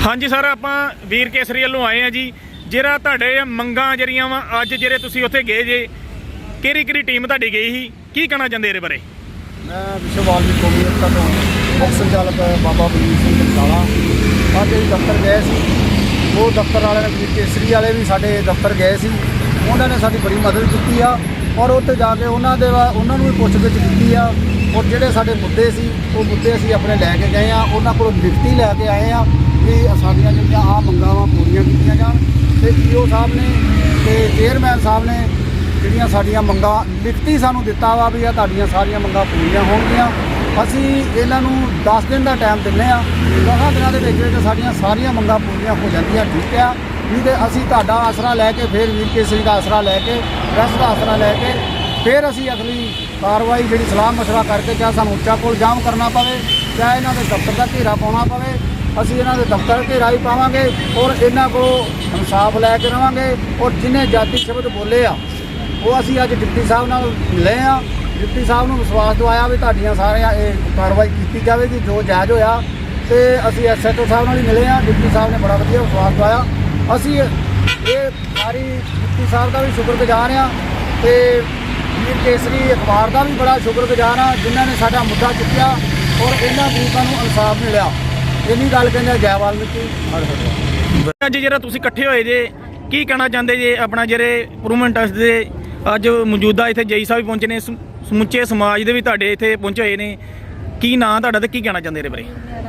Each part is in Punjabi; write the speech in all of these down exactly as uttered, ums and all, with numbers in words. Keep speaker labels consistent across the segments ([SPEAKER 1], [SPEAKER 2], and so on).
[SPEAKER 1] हाँ जी सर, आप वीर केसरी वालों आए हैं जी। जरा तुहाडे मंगां जरियां वा अज जेरे तुसीं उत्थे गए जे, किहड़ी किहड़ी टीम तुहाडी गई ही, की कहना चाहते इहदे बारे?
[SPEAKER 2] मैं विश्व वाल्मीकि कौमी एकता तो मुख संचालक बाबा बलवीर सिंह बंसाला अज दफ्तर गए सी। वो दफ्तर वाले वीर केसरी वाले भी साडे दफ्तर गए सी, उन्होंने साडी बड़ी मदद की आ और उत्थे जाके उन्होंने दे उन्होंने भी पुछगिछ की आ और जिहड़े साडे मुद्दे सी वो मुद्दे असीं अपने लैके गए आ। उन्होंने कोलों लिखती लैके आए आ कि साडियां जिहड़ियां आ मंगां वा पूरीआं कीतीआं जाण ते ईओ साहब ने ते चेयरमैन साहब ने ਜਿਹੜੀਆਂ ਸਾਡੀਆਂ ਮੰਗਾਂ ਲਿਖਤੀ ਸਾਨੂੰ ਦਿੱਤਾ ਵਾ ਵੀ ਆ ਤੁਹਾਡੀਆਂ ਸਾਰੀਆਂ ਮੰਗਾਂ ਪੂਰੀਆਂ ਹੋਣਗੀਆਂ। ਅਸੀਂ ਇਹਨਾਂ ਨੂੰ ਦਸ ਦਿਨ ਦਾ ਟਾਈਮ ਦਿੰਦੇ ਆ, ਦਸਾਂ ਦਿਨਾਂ ਦੇ ਵਿੱਚ ਵਿੱਚ ਸਾਡੀਆਂ ਸਾਰੀਆਂ ਮੰਗਾਂ ਪੂਰੀਆਂ ਹੋ ਜਾਂਦੀਆਂ, ਠੀਕ ਆ। ਨਹੀਂ ਤੇ ਅਸੀਂ ਤੁਹਾਡਾ ਆਸਰਾ ਲੈ ਕੇ ਫਿਰ ਵੀਰ ਕੇਸਰੀ ਦਾ ਆਸਰਾ ਲੈ ਕੇ ਪ੍ਰੈਸ ਦਾ ਆਸਰਾ ਲੈ ਕੇ ਫਿਰ ਅਸੀਂ ਅਗਲੀ ਕਾਰਵਾਈ ਜਿਹੜੀ ਸਲਾਹ ਮਸ਼ਵਰਾ ਕਰਕੇ ਚਾਹੇ ਸਾਨੂੰ ਉੱਚਾ ਕੋਲ ਜਾਮ ਕਰਨਾ ਪਵੇ, ਚਾਹੇ ਇਹਨਾਂ ਦੇ ਦਫ਼ਤਰ ਦਾ ਘੇਰਾ ਪਾਉਣਾ ਪਵੇ, ਅਸੀਂ ਇਹਨਾਂ ਦੇ ਦਫ਼ਤਰ ਘੇਰਾ ਹੀ ਪਾਵਾਂਗੇ ਔਰ ਇਹਨਾਂ ਕੋਲੋਂ ਇਨਸਾਫ ਲੈ ਕੇ ਰਵਾਂਗੇ। ਔਰ ਜਿਹਨੇ ਜਾਤੀ ਸ਼ਬਦ ਬੋਲੇ ਆ ਉਹ ਅਸੀਂ ਅੱਜ ਡਿਪਟੀ ਸਾਹਿਬ ਨਾਲ ਮਿਲੇ ਆ, ਡਿਪਟੀ ਸਾਹਿਬ ਨੂੰ ਵਿਸ਼ਵਾਸ ਦਵਾਇਆ ਵੀ ਤੁਹਾਡੀਆਂ ਸਾਰੀਆਂ ਇਹ ਕਾਰਵਾਈ ਕੀਤੀ ਜਾਵੇਗੀ ਜੋ ਜਾਇਜ਼ ਹੋਇਆ। ਤੇ ਅਸੀਂ ਐਸ ਐਚ ਓ ਸਾਹਿਬ ਨਾਲ ਹੀ ਮਿਲੇ ਆ, ਡਿਪਟੀ ਸਾਹਿਬ ਨੇ ਬੜਾ ਵਧੀਆ ਵਿਸ਼ਵਾਸ ਦਵਾਇਆ। ਅਸੀਂ ਇਹ ਸਾਰੀ ਡਿਪਟੀ ਸਾਹਿਬ ਦਾ ਵੀ ਸ਼ੁਕਰਗੁਜ਼ਾਰ ਆ ਤੇ ਵੀਰ ਕੇਸਰੀ ਅਖਬਾਰ ਦਾ ਵੀ ਬੜਾ ਸ਼ੁਕਰਗੁਜ਼ਾਰ ਆ ਜਿਨ੍ਹਾਂ ਨੇ ਸਾਡਾ ਮੁੱਦਾ ਚੁੱਕਿਆ ਔਰ ਇਹਨਾਂ ਗਰੀਬਾਂ ਨੂੰ ਇਨਸਾਫ ਮਿਲਿਆ। ਇੰਨੀ ਗੱਲ ਕਹਿੰਦੇ ਜੈ ਵਾਲਮੀਕੀ।
[SPEAKER 1] ਅੱਜ ਜਿਹੜਾ ਤੁਸੀਂ ਇਕੱਠੇ ਹੋਏ ਜੇ, ਕੀ ਕਹਿਣਾ ਚਾਹੁੰਦੇ ਜੇ ਆਪਣਾ ਜਿਹੜੇ ਇੰਪਰੂਵਮੈਂਟ ਟਰਸਟ ਦੇ ਅੱਜ ਮੌਜੂਦਾ ਇੱਥੇ ਜਈ ਸਾਹਿਬ ਪਹੁੰਚੇ ਨੇ, ਸਮੁੱਚੇ ਸਮਾਜ ਦੇ ਵੀ ਤੁਹਾਡੇ ਇੱਥੇ ਪਹੁੰਚੇ ਹੋਏ ਨੇ, ਕੀ ਨਾਂ ਤੁਹਾਡਾ ਤੇ ਕੀ ਕਹਿਣਾ ਚਾਹੁੰਦੇ ਇਹਦੇ ਬਾਰੇ?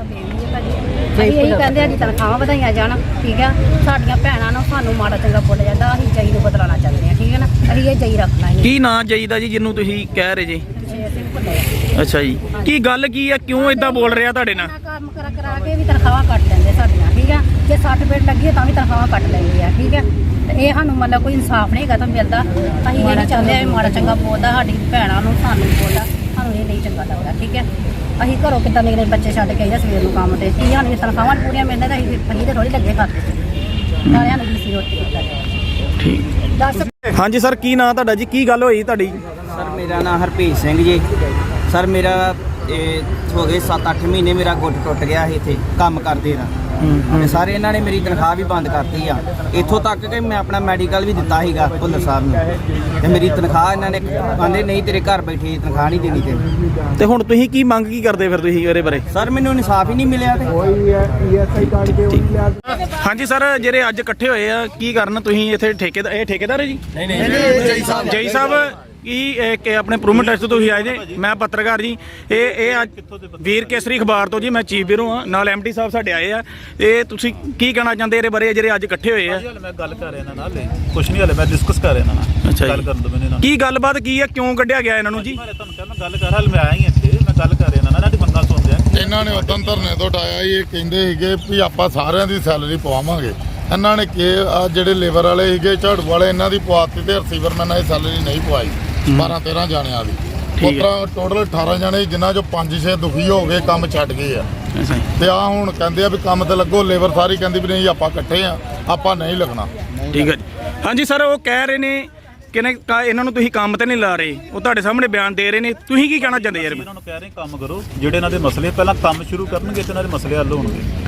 [SPEAKER 3] ਅਸੀਂ ਇਹੀ ਕਹਿੰਦੇ ਆ ਜੀ ਤਨਖਾਹਾਂ ਵਧਾਈਆਂ ਜਾਣ, ਠੀਕ ਆ। ਸਾਡੀਆਂ ਭੈਣਾਂ ਨੂੰ ਸਾਨੂੰ ਮਾੜਾ ਚੰਗਾ ਬੋਲਿਆ ਜਾਂਦਾ, ਅਸੀਂ ਜਈ ਨੂੰ ਬਦਲਾਉਣਾ ਚਾਹੁੰਦੇ ਆ, ਠੀਕ ਹੈ ਨਾ। ਅਸੀਂ ਇਹ ਜਈ ਰੱਖਣਾ ਹੈ।
[SPEAKER 1] ਕੀ ਨਾਂ ਜਈ ਦਾ ਜੀ ਜਿਹਨੂੰ ਤੁਸੀਂ ਕਹਿ ਰਹੇ ਜੀ? ਅੱਛਾ ਜੀ, ਕੀ ਗੱਲ ਕੀ ਆ, ਕਿਉਂ ਇਦਾਂ ਬੋਲ ਰਿਹਾ ਤੁਹਾਡੇ ਨਾਲ?
[SPEAKER 3] ਕੰਮ ਕਰਾ ਕਰਾ ਕੇ ਵੀ ਤਨਖਾਹਾਂ ਕੱਟ ਲੈਂਦੇ ਸਾਡੀਆਂ, ਠੀਕ ਆ। ਜੇ ਸੱਟ ਪੇਟ ਲੱਗੀ ਤਾਂ ਵੀ ਤਨਖਾਹਾਂ ਕੱਟ ਲੈਂਦੇ ਆ, ਠੀਕ ਆ। ਤੇ ਇਹ ਸਾਨੂੰ ਮਤਲਬ ਕੋਈ ਇਨਸਾਫ ਨਹੀਂ ਹੈਗਾ ਤਾਂ ਮਿਲਦਾ। ਅਸੀਂ ਇਹ ਨਹੀਂ ਚਾਹੁੰਦੇ ਆ ਮਾੜਾ ਚੰਗਾ ਬੋਲਦਾ ਸਾਡੀ ਭੈਣਾਂ ਨੂੰ, ਸਾਨੂੰ ਬੋਲਦਾ, ਸਾਨੂੰ ਇਹ ਨਹੀਂ ਚੰਗਾ ਲੱਗਦਾ, ਠੀਕ ਹੈ। ਅਸੀਂ ਘਰੋਂ ਕਿੱਦਾਂ ਨਿਕਲੇ ਬੱਚੇ ਛੱਡ ਕੇ ਆਈਦਾ ਸਵੇਰ ਨੂੰ ਕੰਮ ਤੇ, ਕੀ ਸਾਨੂੰ ਤਨਖਾਹਾਂ ਪੂਰੀਆਂ ਮਿਲਦੀਆਂ ਤਾਂ ਅਸੀਂ ਅਸੀਂ ਤਾਂ ਥੋੜ੍ਹੀ ਲੱਗੇ ਖਾਤੇ ਸਾਰਿਆਂ ਨੂੰ ਵੀ ਸੀ ਰੋਟੀ
[SPEAKER 1] ਠੀਕ
[SPEAKER 3] ਦੱਸ।
[SPEAKER 1] ਹਾਂਜੀ ਸਰ, ਕੀ ਨਾਂ ਤੁਹਾਡਾ ਜੀ, ਕੀ ਗੱਲ ਹੋਈ ਤੁਹਾਡੀ?
[SPEAKER 4] ਸਰ ਮੇਰਾ ਨਾਮ ਹਰਪ੍ਰੀਤ ਸਿੰਘ ਜੀ। ਸਰ ਮੇਰਾ ਇਹ ਹੋ ਗਏ ਸੱਤ ਅੱਠ ਮਹੀਨੇ ਮੇਰਾ ਗੁੱਟ ਟੁੱਟ ਗਿਆ ਸੀ ਇੱਥੇ ਕੰਮ ਕਰਦੇ ਦਾ, ਤੇ ਸਾਰੇ ਇਹਨਾਂ ਨੇ ਮੇਰੀ ਤਨਖਾਹ ਵੀ ਬੰਦ ਕਰਤੀ ਆ। ਇੱਥੋਂ ਤੱਕ ਕਿ ਮੈਂ ਆਪਣਾ ਮੈਡੀਕਲ ਵੀ ਦਿੱਤਾ ਸੀਗਾ ਭੁੱਲਰ ਸਾਹਿਬ ਨੂੰ, ਤੇ ਮੇਰੀ ਤਨਖਾਹ ਇਹਨਾਂ ਨੇ ਕਹਿੰਦੇ ਨਹੀਂ ਤੇਰੇ ਘਰ ਬੈਠੇ ਤਨਖਾਹ ਨਹੀਂ ਦੇਣੀ ਤੈਨੂੰ।
[SPEAKER 1] ਤੇ ਹੁਣ ਤੁਸੀਂ ਕੀ ਮੰਗ ਕੀ ਕਰਦੇ ਫਿਰ ਤੁਸੀਂ ਇਹਦੇ ਬਾਰੇ?
[SPEAKER 4] ਸਰ ਮੈਨੂੰ ਇਨਸਾਫ ਹੀ ਨਹੀਂ ਮਿਲਿਆ ਤੇ
[SPEAKER 1] ਹਾਂਜੀ ਸਰ, ਜਿਹੜੇ ਅੱਜ ਇਕੱਠੇ ਹੋਏ ਆ ਕੀ ਕਰਨ ਤੁਸੀਂ ਇੱਥੇ? ਠੇਕੇਦਾਰ, ਇਹ ਠੇਕੇਦਾਰ ਹੈ ਜੀ?
[SPEAKER 2] ਨਹੀਂ ਨਹੀਂ ਜਈ ਸਾਹਿਬ
[SPEAKER 1] ਜਈ ਸਾਹਿਬ ਕੀ ਕਿ ਆਪਣੇ ਇੰਪਰੂਵਮੈਂਟ ਟੈਸਟ ਤੋਂ ਤੁਸੀਂ ਆਏ ਜੇ? ਮੈਂ ਪੱਤਰਕਾਰ ਜੀ, ਇਹ ਇਹ ਅੱਜ ਵੀਰ ਕੇਸਰੀ ਅਖਬਾਰ ਤੋਂ ਜੀ, ਮੈਂ ਚੀਫ ਬਿਊਰੋ ਹਾਂ, ਨਾਲ ਐਮ ਡੀ ਸਾਹਿਬ ਸਾਡੇ ਆਏ ਆ। ਇਹ ਤੁਸੀਂ ਕੀ ਕਹਿਣਾ ਚਾਹੁੰਦੇ ਇਹਦੇ ਬਾਰੇ ਜਿਹੜੇ ਅੱਜ ਇਕੱਠੇ ਹੋਏ ਆ?
[SPEAKER 5] ਮੈਂ ਗੱਲ ਕਰ ਰਿਹਾ ਇਹਨਾਂ ਨਾਲ, ਕੁਛ ਨਹੀਂ ਹਲੇ ਮੈਂ ਡਿਸਕਸ ਕਰ ਰਿਹਾ ਇਹਨਾਂ ਨਾਲ।
[SPEAKER 1] ਅੱਛਾ
[SPEAKER 5] ਗੱਲ ਕਰਨ ਦੋ ਮੈਨੂੰ ਨਾਲ।
[SPEAKER 1] ਕੀ ਗੱਲਬਾਤ ਕੀ ਆ, ਕਿਉਂ ਕੱਢਿਆ ਗਿਆ ਇਹਨਾਂ ਨੂੰ ਜੀ?
[SPEAKER 5] ਮੈਂ ਤੁਹਾਨੂੰ ਕਿਹਾ ਮੈਂ ਗੱਲ ਕਰ ਹਾਲ ਮੈਂ ਆਇਆ ਹੀ ਇੱਥੇ, ਮੈਂ ਗੱਲ ਕਰ ਰਿਹਾ ਇਹਨਾਂ ਨਾਲ, ਇਹਨਾਂ ਦੀ ਮੰਗਾਂ ਸੁਣਦੇ ਆ।
[SPEAKER 6] ਇਹਨਾਂ ਨੇ ਉਦੋਂ ਧਰਨੇ ਤੋਂ ਉਠਾਇਆ, ਇਹ ਕਹਿੰਦੇ ਸੀਗੇ ਵੀ ਆਪਾਂ ਸਾਰਿਆਂ ਦੀ ਸੈਲਰੀ ਪਵਾਵਾਂਗੇ। ਇਹਨਾਂ ਨੇ ਕਿ ਆ ਜਿਹੜੇ ਲੇਬਰ ਵਾਲੇ ਸੀਗੇ ਝਾੜੂ ਵਾਲੇ, ਇਹਨਾਂ ਦੀ ਪਵਾਤੀ ਤੇ ਰਿਸੀਵਰਮੈਨ ਦੀ ਸੈਲਰੀ ਨਹੀਂ ਪਵਾਈ ਬਾਰਾਂ ਤੇਰਾਂ ਜਾਣਿਆਂ ਦੀ। ਉਤਰਾ ਟੋਟਲ ਅਠਾਰਾਂ ਜਾਣੇ ਜਿਨ੍ਹਾਂ ਚੋਂ ਪੰਜ ਛੇ ਦੁਖੀ ਹੋ ਗਏ, ਕੰਮ ਛੱਡ ਗਏ ਆ। ਤੇ ਆ ਹੁਣ ਕਹਿੰਦੇ ਆ ਵੀ ਕੰਮ ਤੇ ਲੱਗੋ, ਲੇਬਰ ਸਾਰੀ ਕਹਿੰਦੀ ਵੀ ਨਹੀਂ ਆਪਾਂ ਇਕੱਠੇ ਆ, ਆਪਾਂ ਨਹੀਂ ਲੱਗਣਾ।
[SPEAKER 1] ਠੀਕ ਹੈ ਜੀ। ਹਾਂਜੀ ਸਰ, ਉਹ ਕਹਿ ਰਹੇ ਨੇ ਕਿ ਇਹਨਾਂ ਨੂੰ ਤੁਸੀਂ ਕੰਮ ਤੇ ਨਹੀਂ ਲਾ ਰਹੇ, ਉਹ ਤੁਹਾਡੇ ਸਾਹਮਣੇ ਬਿਆਨ ਦੇ ਰਹੇ ਨੇ, ਤੁਸੀਂ ਕੀ ਕਹਿਣਾ ਚਾਹੁੰਦੇ ਯਾਰ?
[SPEAKER 5] ਇਹਨਾਂ ਨੂੰ ਕਹਿ ਰਹੇ ਕੰਮ ਕਰੋ, ਜਿਹੜੇ ਇਹਨਾਂ ਦੇ ਮਸਲੇ ਪਹਿਲਾਂ ਕੰਮ ਸ਼ੁਰੂ ਕਰਨਗੇ ਤੇ ਇਹਨਾਂ ਦੇ ਮਸਲੇ ਹੱਲ ਹੋਣਗੇ।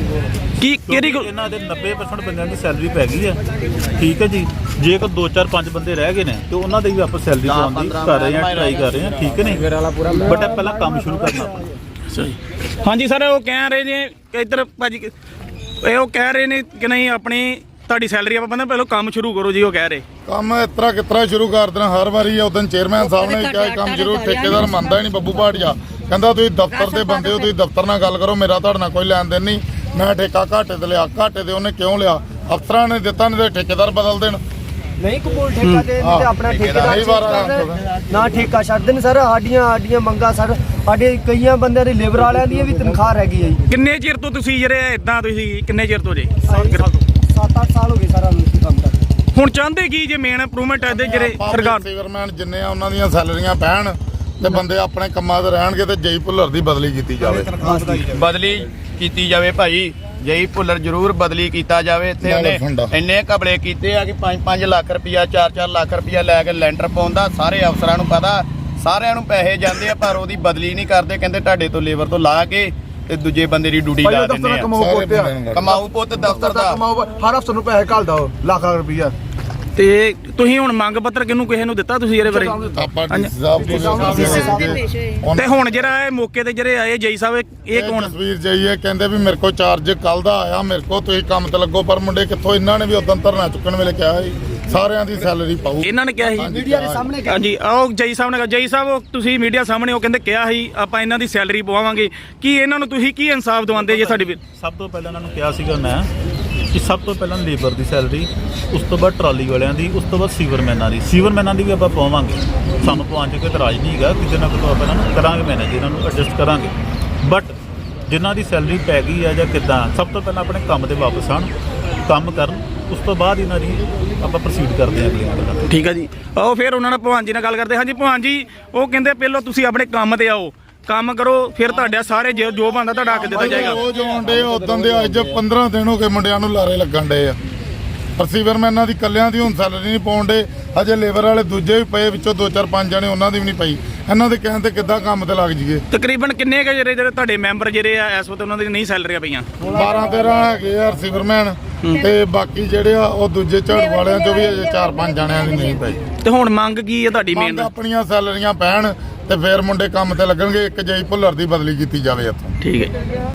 [SPEAKER 1] ਕੀ ਕਿਹੜੀ
[SPEAKER 5] ਇਹਨਾਂ ਦੇ ਨੱਬੇ ਪਰਸੈਂਟ ਬੰਦਿਆਂ ਦੀ ਸੈਲਰੀ ਪੈ ਗਈ ਹੈ, ਠੀਕ ਹੈ ਜੀ। ਜੇ ਕੋ ਦੋ ਚਾਰ ਪੰਜ ਬੰਦੇ ਰਹਿ ਗਏ ਨੇ ਤੇ ਉਹਨਾਂ ਦੀ ਵੀ ਆਪਾਂ ਸੈਲਰੀ ਪਾਉਣ ਦੀ ਕਰ ਰਹੇ ਹਾਂ, ਟਰਾਈ ਕਰ ਰਹੇ ਹਾਂ, ਠੀਕ ਹੈ ਨਹੀਂ। ਬਟ ਪਹਿਲਾਂ ਕੰਮ ਸ਼ੁਰੂ ਕਰਨਾ ਆਪਣਾ।
[SPEAKER 1] ਹਾਂਜੀ ਸਰ, ਉਹ ਕਹਿ ਰਹੇ ਨੇ ਕਿ ਇੱਧਰ ਭਾਜੀ ਇਹ ਉਹ ਕਹਿ ਰਹੇ ਨੇ ਕਿ ਨਹੀਂ ਆਪਣੀ ਤੁਹਾਡੀ ਸੈਲਰੀ ਆਪਾਂ ਕਹਿੰਦੇ ਪਹਿਲਾਂ ਕੰਮ ਸ਼ੁਰੂ ਕਰੋ ਜੀ। ਉਹ ਕਹਿ ਰਹੇ
[SPEAKER 6] ਕੰਮ ਇਸ ਤਰ੍ਹਾਂ ਕਿਸ ਤਰ੍ਹਾਂ ਸ਼ੁਰੂ ਕਰ ਦੇਣਾ ਹਰ ਵਾਰੀ। ਉਦੋਂ ਚੇਅਰਮੈਨ ਸਾਹਿਬ ਨੇ ਕਿਹਾ ਕੰਮ ਜ਼ਰੂਰ, ਠੇਕੇਦਾਰ ਮੰਨਦਾ ਹੀ ਨਹੀਂ ਬੱਬੂ ਭਾਟੀਆ, ਕਹਿੰਦਾ ਤੁਸੀਂ ਦਫ਼ਤਰ ਦੇ ਬੰਦੇ ਹੋ, ਤੁਸੀਂ ਦਫ਼ਤਰ ਨਾਲ ਗੱਲ ਕਰੋ, ਮੇਰਾ ਤੁਹਾਡੇ ਨਾਲ ਕੋਈ ਲੈਣ ਦੇਣ ਨਹੀਂ। ਮੈਂ ਠੇਕਾ ਘਾਟੇ ਤੇ ਲਿਆ, ਘਾਟੇ ਤੇ ਉਹਨੇ ਕਿਉਂ ਲਿਆ? ਅਫਸਰਾਂ ਨੇ ਦਿੱਤਾ, ਨਹੀਂ ਤੇ ਠੇਕੇਦਾਰ ਬਦਲ ਦੇਣ।
[SPEAKER 2] ਨਹੀਂ ਕਬੂਲ ਠੇਕਾ ਦੇ ਤੇ ਆਪਣਾ ਠੇਕੇਦਾਰ ਨਾ ਠੇਕਾ ਛੱਡ ਦੇਣ। ਸਰ ਸਾਡੀਆਂ ਸਾਡੀਆਂ ਮੰਗਾਂ ਸਰ, ਸਾਡੇ ਕਈਆਂ ਬੰਦਿਆਂ ਦੀ ਲੇਬਰ ਵਾਲਿਆਂ ਦੀ ਵੀ ਤਨਖਾਹ ਰਹਿ ਗਈ ਹੈ ਜੀ।
[SPEAKER 1] ਕਿੰਨੇ ਚਿਰ ਤੋਂ ਤੁਸੀਂ ਜਿਹੜੇ ਇਦਾਂ ਤੁਸੀਂ ਕਿੰਨੇ ਚਿਰ ਤੋਂ ਜੇ?
[SPEAKER 2] ਸੱਤ ਅੱਠ ਸਾਲ ਹੋ ਗਏ ਸਾਰਾ ਕੰਮ ਕਰਦੇ।
[SPEAKER 1] ਹੁਣ ਚਾਹੁੰਦੇ ਕੀ ਜੇ ਮੇਨ ਇੰਪਰੂਵਮੈਂਟ ਦੇ ਜਿਹੜੇ ਸਰਕਾਰ
[SPEAKER 6] ਰਿਸੀਵਰਮੈਨ ਜਿੰਨੇ ਆ ਉਹਨਾਂ ਦੀਆਂ ਸੈਲਰੀਆਂ ਪੈਣ ਤੇ ਬੰਦੇ ਆਪਣੇ ਕੰਮਾਂ ਤੇ ਰਹਿਣਗੇ, ਤੇ ਜਈ ਭੁੱਲਰ ਦੀ ਬਦਲੀ ਕੀਤੀ ਜਾਵੇ।
[SPEAKER 7] ਬਦਲੀ ਕੀਤੀ ਜਾਵੇ ਭਾਈ, ਜਈ ਭੁੱਲਰ ਜ਼ਰੂਰ ਬਦਲੀ ਕੀਤਾ ਜਾਵੇ। ਇੱਥੇ ਉਹਨੇ ਇੰਨੇ ਘਪਲੇ ਕੀਤੇ ਆ ਕਿ ਪੰਜ ਪੰਜ ਲੱਖ ਰੁਪਇਆ ਚਾਰ ਚਾਰ ਲੱਖ ਰੁਪਇਆ ਲੈ ਕੇ ਲੈਂਟਰ ਪਾਉਂਦਾ, ਸਾਰੇ ਅਫਸਰਾਂ ਨੂੰ ਪਤਾ, ਸਾਰਿਆਂ ਨੂੰ ਪੈਸੇ ਜਾਂਦੇ ਆ, ਪਰ ਉਹਦੀ ਬਦਲੀ ਨਹੀਂ ਕਰਦੇ। ਕਹਿੰਦੇ ਤੁਹਾਡੇ ਤੋਂ ਲੇਬਰ ਤੋਂ ਲਾ ਕੇ ਤੇ ਦੂਜੇ ਬੰਦੇ ਦੀ ਡਿਊਟੀ ਲਾ ਦਿੰਦੇ ਆ
[SPEAKER 6] ਸਾਰੇ ਬੰਦਿਆਂ ਨੂੰ
[SPEAKER 7] ਕਮਾਊ ਪੁੱਤ ਦਫ਼ਤਰ ਦਾ
[SPEAKER 2] ਹਰ ਹਫ਼ਤੇ ਨੂੰ ਪੈਸੇ ਘੱਲਦਾ ਉਹ ਲੱਖ ਲੱਖ ਰੁਪਈਆ
[SPEAKER 1] ਤੇ ਤੁਸੀਂ ਹੁਣ ਮੰਗ ਪੱਤਰ ਕਿਹਨੂੰ ਕਿਸੇ ਨੂੰ ਦਿੱਤਾ ਤੁਸੀਂ ਇਹਦੇ ਬਾਰੇ
[SPEAKER 6] ਆਪਾਂ ਡੀ ਸਾਹਿਬ ਕੋਲ
[SPEAKER 1] ਤੇ ਹੁਣ ਜਿਹੜਾ ਇਹ ਮੌਕੇ ਤੇ ਜਿਹੜੇ ਆਏ ਜਈ ਸਾਹਿਬ ਇਹ- ਇਹ ਕੌਣ
[SPEAKER 6] ਤਸਵੀਰ ਜਾਈਏ ਕਹਿੰਦੇ ਵੀ ਮੇਰੇ ਕੋਲ ਚਾਰਜ ਕੱਲ ਦਾ ਆਇਆ ਮੇਰੇ ਕੋਲ ਤੁਸੀਂ ਕੰਮ ਤੇ ਲੱਗੋ ਪਰ ਮੁੰਡੇ ਕਿੱਥੋਂ ਇਹਨਾਂ ਨੇ ਵੀ ਉਦੋਂ ਧਰਨਾ ਚੁੱਕਣ ਵੇਲੇ ਕਿਹਾ ਸੀ ਸਾਰਿਆਂ ਦੀ ਸੈਲਰੀ ਪਾਊ
[SPEAKER 1] ਇਹਨਾਂ ਨੇ ਕਿਹਾ ਸੀ
[SPEAKER 2] ਮੀਡੀਆ ਦੇ ਸਾਹਮਣੇ
[SPEAKER 1] ਹਾਂਜੀ ਆਓ ਜਈ ਸਾਹਿਬ ਨੇ ਕਿਹਾ ਜਈ ਸਾਹਿਬ ਉਹ ਤੁਸੀਂ ਮੀਡੀਆ ਸਾਹਮਣੇ ਉਹ ਕਹਿੰਦੇ ਕਿਹਾ ਸੀ ਆਪਾਂ ਇਹਨਾਂ ਦੀ ਸੈਲਰੀ ਪਵਾਵਾਂਗੇ ਕੀ ਇਹਨਾਂ ਨੂੰ ਤੁਸੀਂ ਕੀ ਇਨਸਾਫ ਦਵਾਉਂਦੇ ਜੇ ਸਾਡੀ ਵੀ
[SPEAKER 5] ਸਭ ਤੋਂ ਪਹਿਲਾਂ ਇਹਨਾਂ ਨੂੰ ਕਿਹਾ ਸੀਗਾ ਮੈਂ ਕਿ ਸਭ ਤੋਂ ਪਹਿਲਾਂ ਲੇਬਰ ਦੀ ਸੈਲਰੀ, ਉਸ ਤੋਂ ਬਾਅਦ ਟਰਾਲੀ ਵਾਲਿਆਂ ਦੀ, ਉਸ ਤੋਂ ਬਾਅਦ ਸੀਵਰਮੈਨਾਂ ਦੀ ਸੀਵਰਮੈਨਾਂ ਦੀ ਵੀ ਆਪਾਂ ਪਵਾਵਾਂਗੇ। ਸਾਨੂੰ ਪਵਾਉਣ 'ਚ ਕੋਈ ਇਤਰਾਜ਼ ਨਹੀਂ ਹੈਗਾ, ਕਿਸੇ ਨਾ ਕੋਈ ਆਪਾਂ ਇਹਨਾਂ ਨੂੰ ਕਰਾਂਗੇ ਮੈਨੇਜ, ਇਹਨਾਂ ਨੂੰ ਐਡਜਸਟ ਕਰਾਂਗੇ। ਬਟ ਜਿਨ੍ਹਾਂ ਦੀ ਸੈਲਰੀ ਪੈ ਗਈ ਹੈ ਜਾਂ ਕਿੱਦਾਂ, ਸਭ ਤੋਂ ਪਹਿਲਾਂ ਆਪਣੇ ਕੰਮ ਤੇ ਵਾਪਸ ਆਉਣ, ਕੰਮ ਕਰਨ, ਉਸ ਤੋਂ ਬਾਅਦ ਇਹਨਾਂ ਦੀ ਆਪਾਂ ਪ੍ਰੋਸੀਡ ਕਰਦੇ ਹਾਂ ਅਗਲੀਆਂ ਗੱਲਾਂ ਤੇ।
[SPEAKER 1] ਠੀਕ ਹੈ ਜੀ। ਆਓ ਫਿਰ ਉਹਨਾਂ ਨਾਲ ਭਗਵਾਨ ਜੀ ਨਾਲ ਗੱਲ ਕਰਦੇ। ਹਾਂਜੀ ਭਗਵਾਨ ਜੀ, ਉਹ ਕਹਿੰਦੇ ਪਹਿਲਾਂ ਤੁਸੀਂ ਆਪਣੇ ਕੰਮ ਤੇ ਆਓ, ਕੰਮ ਕਰੋ, ਫਿਰ ਤੁਹਾਡਾ ਸਾਰੇ ਜੋ ਜੋ ਬਣਦਾ ਤੁਹਾਡਾ ਹੱਕ ਦਿੱਤਾ ਜਾਏਗਾ।
[SPEAKER 6] ਉਹ ਜੋ ਮੁੰਡੇ ਉਦੋਂ ਦੇ ਅੱਜ ਪੰਦਰਾਂ ਦਿਨ ਹੋ ਗਏ ਮੁੰਡਿਆਂ ਨੂੰ ਲਾਰੇ ਲੱਗਣ ਡਏ ਆ। ਪਰਸੀਵਰਮੈਨਾਂ ਦੀ ਕੱਲਿਆਂ ਦੀ ਹੁਣ ਸੈਲਰੀ ਨਹੀਂ ਪਾਉਣ ਡੇ, ਹਜੇ ਲੇਬਰ ਵਾਲੇ ਦੂਜੇ ਵੀ ਪਏ, ਵਿੱਚੋਂ ਦੋ ਚਾਰ ਪੰਜ ਜਣੇ ਉਹਨਾਂ ਦੀ ਵੀ ਨਹੀਂ ਪਈ। ਇਹਨਾਂ ਦੇ ਕਹਿਣ ਤੇ ਕਿੱਦਾਂ ਕੰਮ ਤੇ ਲੱਗ ਜੀਏ।
[SPEAKER 1] ਤਕਰੀਬਨ ਕਿੰਨੇ ਕੁ ਜਿਹੜੇ ਜਿਹੜੇ ਤੁਹਾਡੇ ਮੈਂਬਰ ਜਿਹੜੇ ਆ ਇਸ ਵਕਤ ਉਹਨਾਂ ਦੀ ਨਹੀਂ ਸੈਲਰੀਆਂ ਪਈਆਂ?
[SPEAKER 6] ਬਾਰਾਂ ਤੇਰਾਂ ਹੈਗੇ ਆ ਰਿਸੀਵਰਮੈਨ, ਤੇ ਬਾਕੀ ਜਿਹੜੇ ਆ ਉਹ ਦੂਜੇ ਝਾੜੂ ਵਾਲਿਆਂ ਚੋਂ ਵੀ ਅਜੇ ਚਾਰ ਪੰਜ ਜਣਿਆਂ ਦੀ ਨਹੀਂ ਪਈ।
[SPEAKER 1] ਤੇ ਹੁਣ ਮੰਗ ਕੀ ਹੈ ਤੁਹਾਡੀ ਮੇਨ?
[SPEAKER 6] ਆਪਣੀਆਂ ਸੈਲਰੀਆਂ ਪੈਣ ਤੇ ਫਿਰ ਮੁੰਡੇ ਕੰਮ ਤੇ ਲੱਗਣਗੇ। ਇੱਕ ਜਈ ਭੁੱਲਰ ਦੀ ਬਦਲੀ ਕੀਤੀ ਜਾਵੇ ਇੱਥੋਂ।
[SPEAKER 1] ਠੀਕ ਹੈ।